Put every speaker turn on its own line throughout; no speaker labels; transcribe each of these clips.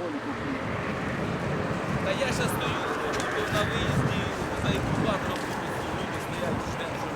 Та я зараз стою на виїзді за інкубатором, люди стоять, ждемо, що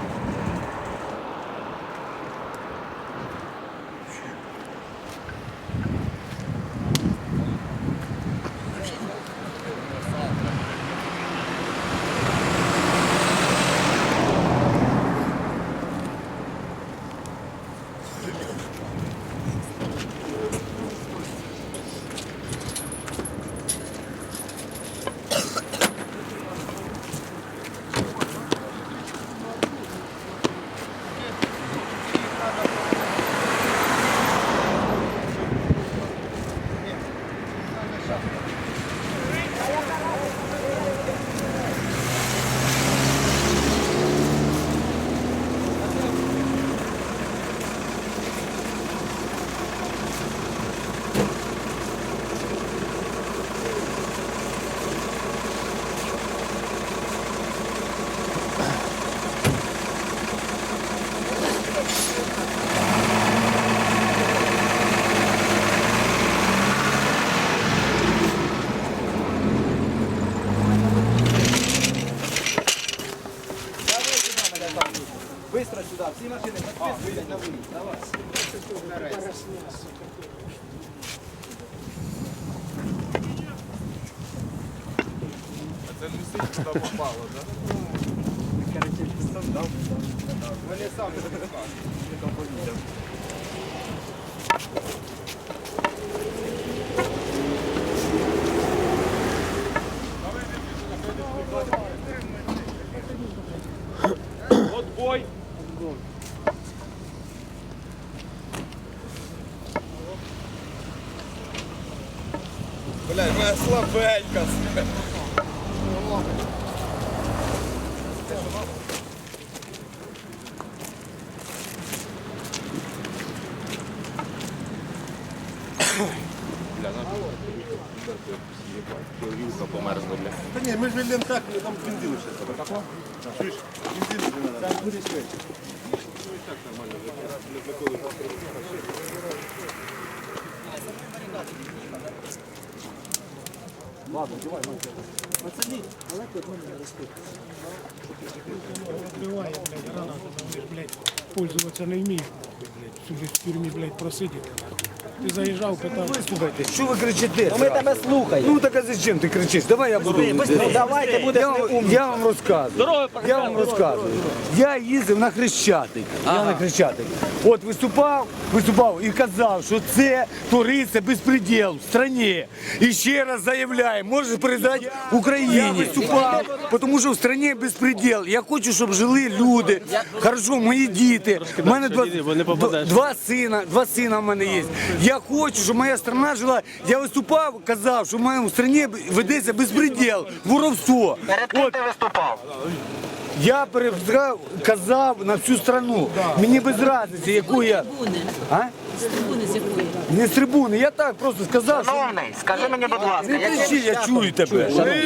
Быстро сюда, всі машини виїдуть на виїзд, давай.
це лисить туди попало, так?
Вони самі
Отбой! Блядь, моя слабенька. Вилка померзла, бля.
Та ні, ми ж вільнемо так, там бензину ще тебе. Так? Чуєш? Бензину вже треба. Так, буде швидше. Так нормально.
Ладно, давай, пацани, далеко від мене рости.
Открываем, блядь, гранату, там, блядь, пользоваться не вмієш, блядь, всю в тюрмі, блядь, просидіти. Ти заїжджав, питав.
Слухайте, що ви кричите?
Ми тебе слухаємо.
Ну так а зачем ти кричиш? Давай я буду.
Давайте будеш
Я вам розказую. Я вам розказую. Я їздив на Хрещатик. Я на Хрещатик. От виступав і казав, що це твориться безпреділ в країні. І ще раз заявляю, можеш передати Україні. Я виступав, тому що в країні безпреділ. Я хочу, щоб жили люди. Хорошо, мої діти. У мене два сина в мене є. Я хочу, щоб моя страна жила. Я виступав, казав, що в моєму країні ведеться безпреділ, воровство.
Перед ким ти виступав?
Я казав на всю страну. Мені без різниці, яку я. А?
З трибуни з якої?
Не з трибуни, я так просто сказав, що...
Шановний, скажи мені, будь ласка,
Не кричи, я чую тебе.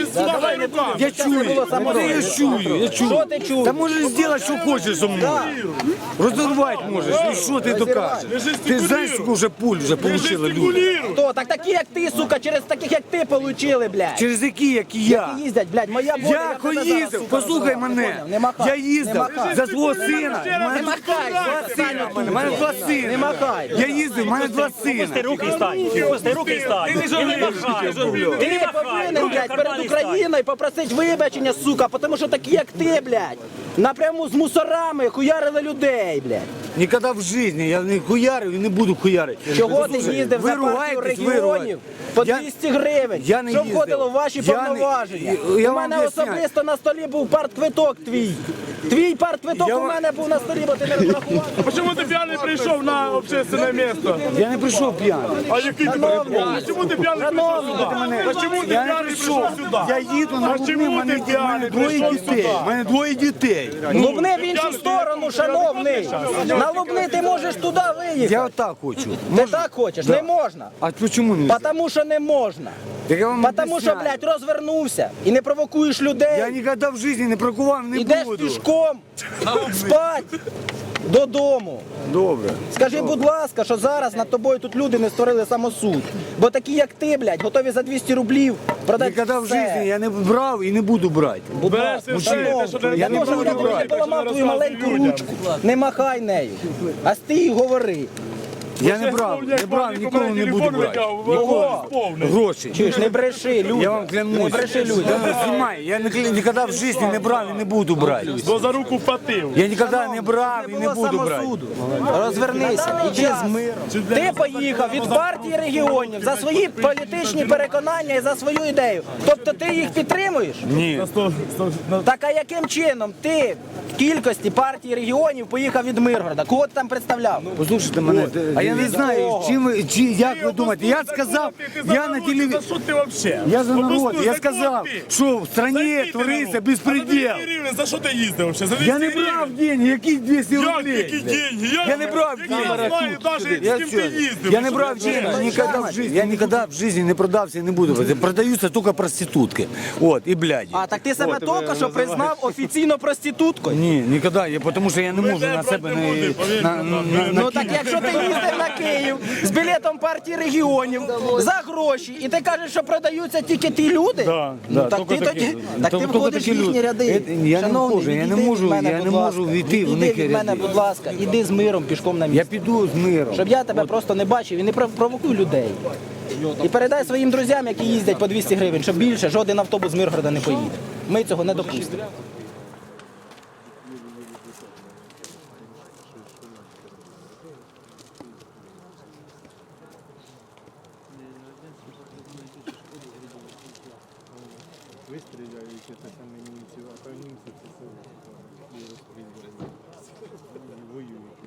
Я чую, я чую.
Що ти чуєш?
Та можеш зробити, що хочеш зі мною. Розірвати можеш, ну що ти докажеш? Ти знаєш, скільки вже пуль вже отримали люди?
Хто? Так такі, як ти, сука, через таких, як ти, получили, блядь.
Через які, як і я.
Які їздять, блядь, моя воля,
Я
тебе зараз,
їздив,
сука,
послухай
розорвала.
мене.
Не махай,
Я
не
їздив
махай.
за свого сина.
Не махай,
Два сина в мене, в мене два сина.
Не махай.
Я їздив, в мене два сина.
Руки стань, пусти руки стань. Ти не махай.
Ти повинен, блядь, перед Україною попросити вибачення, сука, тому що такі, як ти, блядь, напряму з мусорами хуярили людей, блядь.
Ніколи в житті я не хуярив і не буду хуярити.
Чого ти
Послухай,
їздив
ви
за партію
ругаєтесь, ви
регіонів
ругаєтесь.
по
Я-
200 гривень?
я не
Що
їздив.
входило в ваші
Я не-
повноваження?
я
У
вам
мене
об'ясняю.
особисто на столі був партквиток твій. Твій партквиток
Я
у
вам-
мене був на столі, бо ти не розрахував.
Чому ти п'яний прийшов на общественне місце?
Я не прийшов п'яний.
А який ти
Шановний,
Чому ти п'яний
шановний,
прийшов сюди? А чому ти
Я не
п'яний
прийшов.
прийшов сюди?
Я їду на
А
Лубни,
чому
в мене
ти п'яний
двоє
прийшов
дітей.
сюди?
У мене двоє дітей.
Лубни в іншу сторону, шановний. На Лубни ти можеш туди виїхати.
Я отак хочу.
Ти так хочеш? Не можна.
А чому не?
Потому що не можна.
Так я вам
Потому що,
об'ясняю.
блядь, розвернувся і не провокуєш людей.
Я ніколи в житті не прокував, не
Ідеш
буду.
пішком спать. додому.
Добре.
Скажи, будь ласка, що зараз над тобою тут люди не створили самосуд. Бо такі, як ти, блядь, готові за 200 рублів продати
Ніколи в
все.
житті я не брав і не буду брати.
Будь ласка, шановний, я теж не поламав твою маленьку ручку. Не махай нею. А стій і говори.
Я не брав, ніколи не буду брати. Ніколи. Гроші.
Чуєш, не бреши, людям.
Я вам клянусь.
Не бреши людям.
Знімай, я ніколи в житті не брав і не буду брати.
Бо за руку впатив.
Я ніколи не брав і
Не
не
було
буду брати.
самосуду. Розвернися, іди з миром. Ти поїхав від партії регіонів за свої політичні переконання і за свою ідею. Тобто ти їх підтримуєш?
Ні.
Так а яким чином ти в кількості партії регіонів поїхав від Миргорода? Кого ти там представляв?
Послухайте мене, а я не знаю, як ви думаєте. Я сказав, я на телевізорі.
Що ти взагалі?
Я за народ, я сказав, що в стране твориться безпреділ.
За що ти їздив взагалі? За
Я
200
не
гривень?
брав деньги, які 200
Як
рублей?
які деньги?
Я не брав
Я
деньги.
не знаю навіть,
Я
з ким
все,
ти їздив.
я не брав денег никогда в жизни. Я никогда в жизни не продався і не буду. Продаються тільки проститутки. От, і бляді.
А так ти себе тільки що признав офіційно проституткою?
Ні, ніколи, тому що я не можу на себе
Ну так якщо ти їздив на Київ з білетом партії регіонів за гроші, і ти кажеш, що продаються тільки ті люди, ну так ти тоді так ти входиш в їхні ряди.
Я не
Шановний,
можу, я не
відійди
можу,
від мене,
я не
будь ласка.
можу війти в
Відійди
них
від мене,
ряди.
будь ласка, іди з миром пішком на
Я
місце.
піду з миром.
Щоб я тебе просто не бачив і не провокуй людей. І передай своїм друзям, які їздять по 200 гривень, щоб більше жоден автобус з Миргорода не поїде. Ми цього не допустимо.
Ви стріляєте, це саме німці, а то німці це воюють.